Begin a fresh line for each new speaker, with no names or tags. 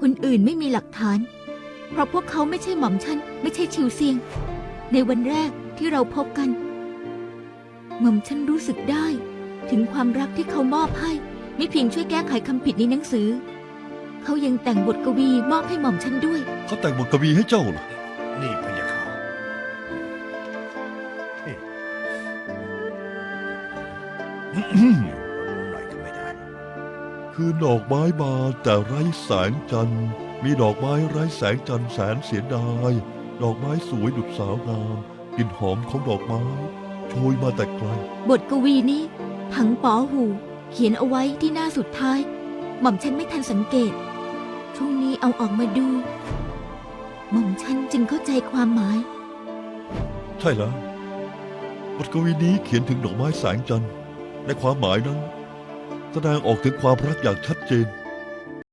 คนอื่นไม่มีหลักฐานเพราะพวกเขาไม่ใช่หม่อมฉันไม่ใช่ชิวเซียงในวันแรกที่เราพบกันหม่อมฉันรู้สึกได้ถึงความรักที่เขามอบให้ไม่เพียงช่วยแก้ไขคำผิดในหนังสือเขายังแต่งบทกวีมอบให้หม่อมฉันด้วย
เขาแต่งบทกวีให้เจ้าเหรอ
นี่พะยะค่ะหน่อยก็ไม่ได้
คือดอกไม้บานแต่ไร้แสงจันทร์มีดอกไม้ไร้แสงจันทร์แสนเสียดายดอกไม้สวยดุจสาวงามกลิ่นหอมของดอกไม้โชยมาแต่ไกล
บทกวีนี้ถังป๋อหูเขียนเอาไว้ที่หน้าสุดท้ายหม่อมฉันไม่ทันสังเกตช่วงนี้เอาออกมาดูหม่อมฉันจึงเข้าใจความหมาย
ใช่แล้วบทกวีนี้เขียนถึงดอกไม้แสงจันทร์ในความหมายนั้นแสดงออกถึงความรักอย่างชัดเจน